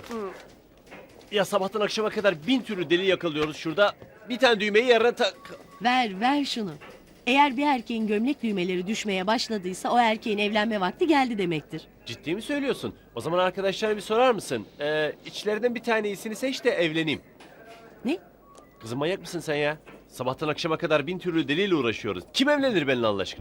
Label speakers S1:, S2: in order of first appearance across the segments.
S1: Ya sabahtan akşama kadar 1000 türlü deli yakalıyoruz şurada. Bir tane düğmeyi yerine tak...
S2: Ver şunu. Eğer bir erkeğin gömlek düğmeleri düşmeye başladıysa o erkeğin evlenme vakti geldi demektir.
S1: Ciddi mi söylüyorsun? O zaman arkadaşlara bir sorar mısın? İçlerinden bir tane iyisini seç de evleneyim.
S2: Ne?
S1: Kızım manyak mısın sen ya? Sabahtan akşama kadar 1000 türlü deliyle uğraşıyoruz. Kim evlenir benimle Allah aşkına?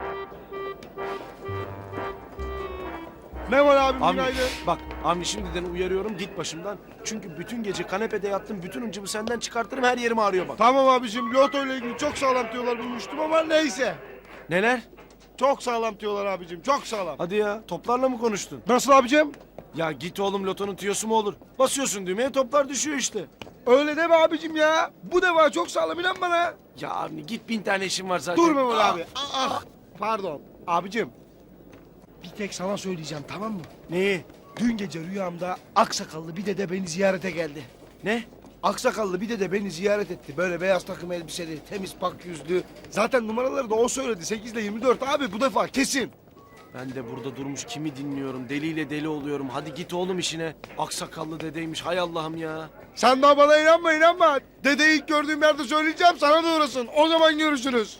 S3: Ne var abim
S4: Avni
S3: günaydın.
S4: bak Avni şimdiden uyarıyorum git başımdan. Çünkü bütün gece kanepede yattım, bütün hıncımı senden çıkartırım, her yerim ağrıyor bak.
S3: Tamam abicim, loto ile ilgili çok sağlam tüyolar bulmuştum ama neyse.
S4: Neler?
S3: Çok sağlam tüyolar abicim, çok sağlam.
S4: Hadi ya, toplarla mı konuştun?
S3: Nasıl abicim?
S4: Ya git oğlum, lotonun tüyosu mu olur? Basıyorsun düğmeye, toplar düşüyor işte.
S3: Öyle deme abicim ya. Bu defa çok sağlam, inan bana.
S4: Ya Avni git, 1000 tane işim var zaten.
S3: Dur Mehmet abi. Pardon. Abicim. Bir tek sana söyleyeceğim, tamam mı?
S4: Neyi?
S3: Dün gece rüyamda aksakallı bir dede beni ziyarete geldi.
S4: Ne?
S3: Aksakallı bir dede beni ziyaret etti. Böyle beyaz takım elbiseli, temiz pak yüzlü. Zaten numaraları da o söyledi. 8 ile 24 abi bu defa kesin.
S4: Ben de burada durmuş kimi dinliyorum, deliyle deli oluyorum. Hadi git oğlum işine. Aksakallı dedeymiş, hay Allah'ım ya.
S3: Sen daha bana inanma. Dedeyi ilk gördüğüm yerde söyleyeceğim, sana da uğrasın. O zaman görüşürüz.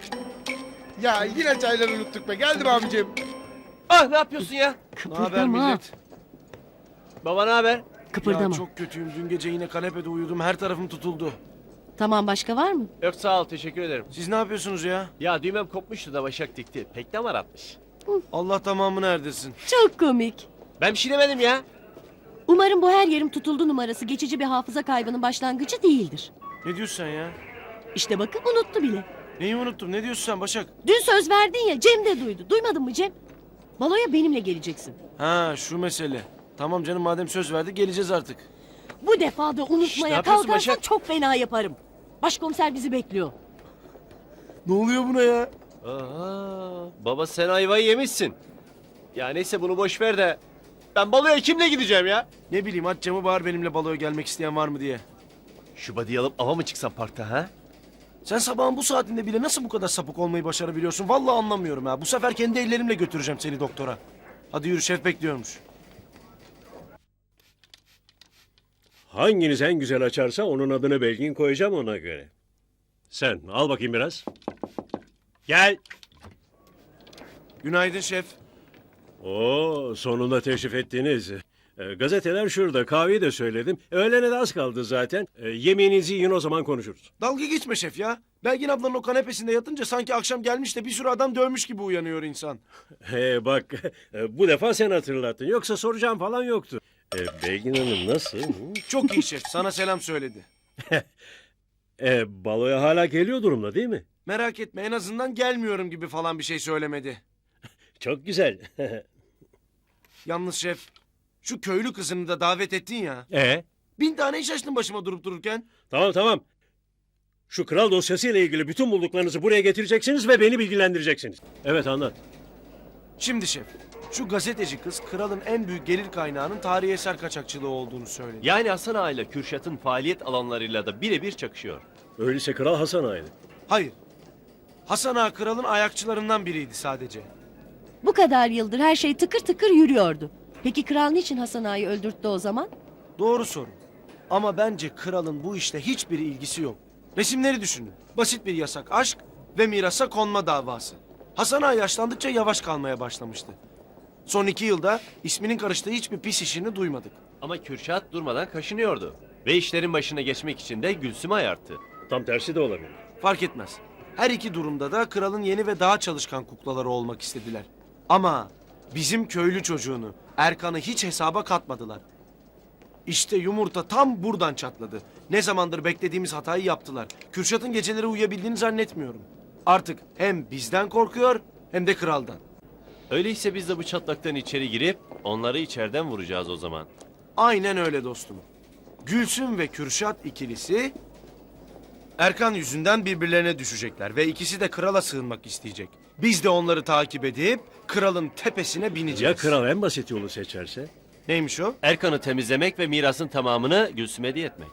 S3: Ya yine çayları unuttuk be. Geldim abicim.
S1: Ah ne yapıyorsun ya?
S4: Ne haber
S2: Kıpırdama.
S4: millet?
S1: Baba ne haber?
S2: Kıpırdama.
S4: Ya çok kötüyüm, dün gece yine kanepede uyudum, her tarafım tutuldu.
S2: Tamam, başka var mı?
S1: Yok sağ ol teşekkür ederim.
S4: Siz ne yapıyorsunuz ya?
S1: Ya düğmem kopmuştu da Başak dikti. Pek damar atmış.
S4: Allah tamamını erdirsin.
S2: Çok komik.
S1: Ben bir şey demedim ya.
S2: Umarım bu her yerim tutuldu numarası geçici bir hafıza kaybının başlangıcı değildir.
S4: Ne diyorsun sen ya?
S2: İşte bakın unuttu bile.
S4: Neyi unuttum? Ne diyorsun sen Başak?
S2: Dün söz verdin ya, Cem de duydu. Duymadın mı Cem? Baloya benimle geleceksin.
S4: Ha şu mesele. Tamam canım, madem söz verdik geleceğiz artık.
S2: Bu defa da
S1: ne
S2: unutmaya
S1: yapıyorsun
S2: kalkarsan
S1: Başak?
S2: çok fena yaparım. Başkomiser bizi bekliyor.
S4: Ne oluyor buna ya?
S1: Aa, baba sen ayvayı yemişsin. Ya neyse bunu boş ver de. Ben baloya kimle gideceğim ya?
S4: Ne bileyim, aç camı, bağır benimle baloya gelmek isteyen var mı diye.
S1: Şu body'yi alıp ava mı çıksam parkta ha?
S4: Sen sabahın bu saatinde bile nasıl bu kadar sapık olmayı başarabiliyorsun? Vallahi anlamıyorum ha. Bu sefer kendi ellerimle götüreceğim seni doktora. Hadi yürü, şef bekliyormuş.
S5: Hanginiz en güzel açarsa onun adını Belgin koyacağım ona göre. Sen al bakayım biraz. Gel.
S4: Günaydın şef.
S5: Oo, sonunda teşrif ettiniz. Gazeteler şurada, kahveyi de söyledim. Öğlene de az kaldı zaten. Yemeğinizi yiyin, o zaman konuşuruz.
S4: Dalga geçme şef ya. Belgin ablanın o kanepesinde yatınca sanki akşam gelmiş de bir sürü adam dövmüş gibi uyanıyor insan.
S5: Bak, bu defa sen hatırlattın. Yoksa soracağım falan yoktu. Belgin Hanım nasıl?
S4: Çok iyi şef. Sana selam söyledi.
S5: Baloya hala geliyor durumda değil mi?
S4: Merak etme, en azından gelmiyorum gibi falan bir şey söylemedi.
S5: Çok güzel.
S4: Yalnız şef, şu köylü kızını da davet ettin ya. 1000 tane iş açtın başıma durup dururken.
S5: Tamam. Şu kral dosyasıyla ilgili bütün bulduklarınızı buraya getireceksiniz ve beni bilgilendireceksiniz. Evet, anlat.
S4: Şimdi şef, şu gazeteci kız kralın en büyük gelir kaynağının tarihi eser kaçakçılığı olduğunu söyledi.
S1: Yani Hasan Ağa ile Kürşat'ın faaliyet alanlarıyla da birebir çakışıyor.
S5: Öyleyse Kral Hasan Ağa'ydı.
S4: Hayır. Hasan Ağa kralın ayakçılarından biriydi sadece.
S2: Bu kadar yıldır her şey tıkır tıkır yürüyordu. Peki kral niçin Hasan Ağa'yı öldürttü o zaman?
S4: Doğru soru. Ama bence kralın bu işle hiçbir ilgisi yok. Resimleri düşünün. Basit bir yasak aşk ve mirasa konma davası. Hasan Ağa yaşlandıkça yavaş kalmaya başlamıştı. Son 2 yılda isminin karıştığı hiçbir pis işini duymadık.
S1: Ama Kürşat durmadan kaşınıyordu. Ve işlerin başına geçmek için de Gülsüm'ü ayarttı.
S5: Tam tersi de olabilir.
S4: Fark etmez. Her iki durumda da kralın yeni ve daha çalışkan kuklaları olmak istediler. Ama bizim köylü çocuğunu, Erkan'ı hiç hesaba katmadılar. İşte yumurta tam buradan çatladı. Ne zamandır beklediğimiz hatayı yaptılar. Kürşat'ın geceleri uyuyabildiğini zannetmiyorum. Artık hem bizden korkuyor hem de kraldan.
S1: Öyleyse biz de bu çatlaktan içeri girip onları içeriden vuracağız o zaman.
S4: Aynen öyle dostum. Gülsüm ve Kürşat ikilisi Erkan yüzünden birbirlerine düşecekler ve ikisi de krala sığınmak isteyecek. Biz de onları takip edip kralın tepesine bineceğiz.
S5: Ya kral en basit yolu seçerse?
S4: Neymiş o?
S1: Erkan'ı temizlemek ve mirasın tamamını Gülsüm'e hediye etmek.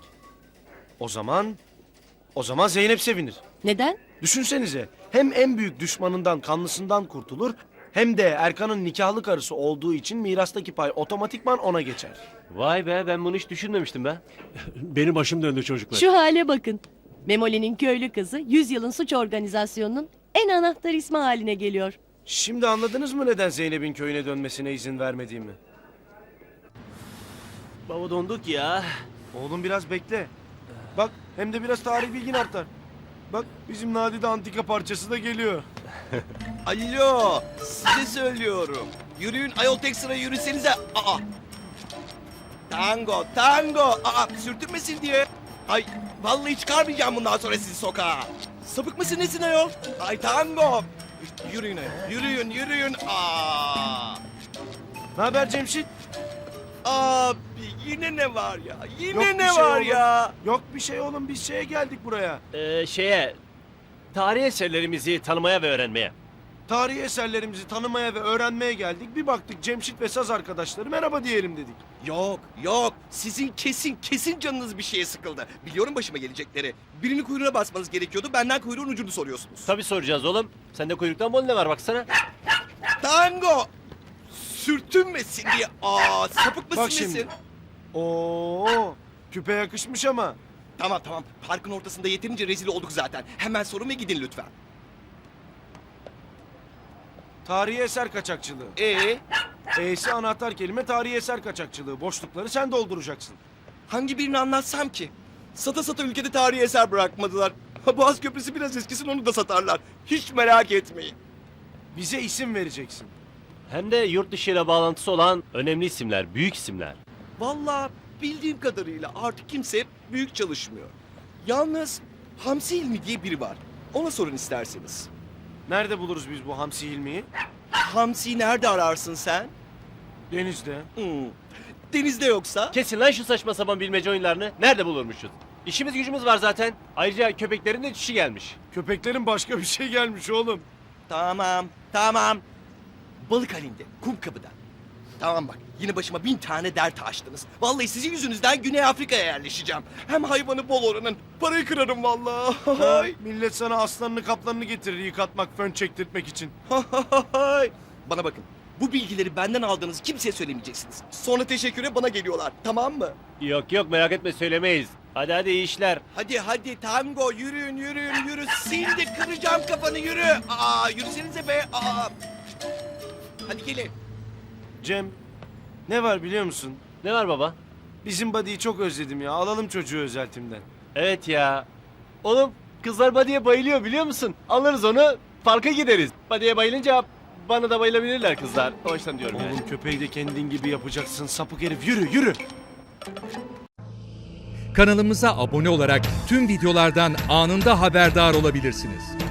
S4: O zaman Zeynep sevinir.
S2: Neden?
S4: Düşünsenize, hem en büyük düşmanından, kanlısından kurtulur Hem de Erkan'ın nikahlı karısı olduğu için mirastaki pay otomatikman ona geçer.
S1: Vay be, ben bunu hiç düşünmemiştim be.
S5: Benim başım döndü çocuklar.
S2: Şu hale bakın. Memoli'nin köylü kızı 100 yılın suç organizasyonunun en anahtar ismi haline geliyor.
S4: Şimdi anladınız mı neden Zeynep'in köyüne dönmesine izin vermediğimi?
S1: Baba donduk ya.
S4: Oğlum biraz bekle. Bak hem de biraz tarih bilgin artar. Bak bizim Nadide antika parçası da geliyor.
S6: Alo, size söylüyorum. Yürüyün ayol tek sıra yürüsenize. Aa. Tango, tango. Aa, sürtünmesin diye. Ay, vallahi çıkarmayacağım bundan sonra sizi sokağa. Sapık mısın nesin ayol? Ay tango. Yürüyün ayol, yürüyün, yürüyün. Aa.
S4: Ne haber Cemşit?
S6: Abi yine ne var ya? Yine
S4: Yok bir
S6: ne
S4: şey
S6: var
S4: oğlum.
S6: ya?
S4: Yok bir şey oğlum biz şeye geldik buraya.
S1: Tarihi eserlerimizi tanımaya ve öğrenmeye.
S4: Tarihi eserlerimizi tanımaya ve öğrenmeye geldik. Bir baktık Cemşit ve saz arkadaşları merhaba diyelim dedik.
S6: Yok, yok. Sizin kesin canınız bir şeye sıkıldı. Biliyorum başıma gelecekleri. Birinin kuyruğuna basmanız gerekiyordu. Benden kuyruğun ucunu soruyorsunuz.
S1: Tabii soracağız oğlum. Sende kuyruktan bol ne var baksana.
S6: Tango! Sürtünmesin diye. Aa, sapık mısın
S4: Bak şimdi.
S6: nesin?
S4: Oo, küpe yakışmış ama.
S6: Tamam tamam. Parkın ortasında yeterince rezil olduk zaten. Hemen sorun ve gidin lütfen.
S4: Tarihi eser kaçakçılığı. E'si anahtar kelime tarihi eser kaçakçılığı. Boşlukları sen dolduracaksın.
S6: Hangi birini anlatsam ki? Sata sata ülkede tarihi eser bırakmadılar. Ha, Boğaz Köprüsü biraz eskisin onu da satarlar. Hiç merak etmeyin.
S4: Bize isim vereceksin.
S1: Hem de yurt dışı ile bağlantısı olan önemli isimler, büyük isimler.
S6: Vallahi bildiğim kadarıyla artık kimse büyük çalışmıyor. Yalnız Hamsi İlmi diye biri var. Ona sorun isterseniz.
S4: Nerede buluruz biz bu Hamsi Hilmi'yi?
S6: Hamsi'yi nerede ararsın sen?
S4: Denizde.
S6: Denizde yoksa?
S1: Kesin lan şu saçma sapan bilmece oyunlarını. Nerede bulurmuşuz? İşimiz gücümüz var zaten. Ayrıca köpeklerin de çişi gelmiş.
S4: Köpeklerin başka bir şey gelmiş oğlum.
S6: Tamam, tamam. Balık halinde, kum kapıda. Tamam bak, yine başıma 1000 tane dert açtınız. Vallahi sizin yüzünüzden Güney Afrika'ya yerleşeceğim. Hem hayvanı bol oranın, parayı kırarım vallahi.
S4: Ha, millet sana aslanını kaplanını getirir yıkatmak, fön çektirtmek için.
S6: Bana bakın, bu bilgileri benden aldığınızı kimseye söylemeyeceksiniz. Sonra teşekküre bana geliyorlar, tamam mı?
S1: Yok yok merak etme söylemeyiz. Hadi iyi işler.
S6: Hadi tango, yürüyün, yürü. Şimdi kıracağım kafanı, yürü. Aa, yürüsenize be. Aa. Hadi gelin.
S4: Cem, ne var biliyor musun?
S1: Ne var baba?
S4: Bizim Buddy'yi çok özledim ya. Alalım çocuğu özeltimden.
S1: Evet ya. Oğlum kızlar Badi'ye bayılıyor biliyor musun? Alırız onu parka gideriz. Badi'ye bayılınca bana da bayılabilirler kızlar. O yüzden diyorum yani.
S4: Oğlum köpeği de kendin gibi yapacaksın. Sapık herif yürü.
S7: Kanalımıza abone olarak tüm videolardan anında haberdar olabilirsiniz.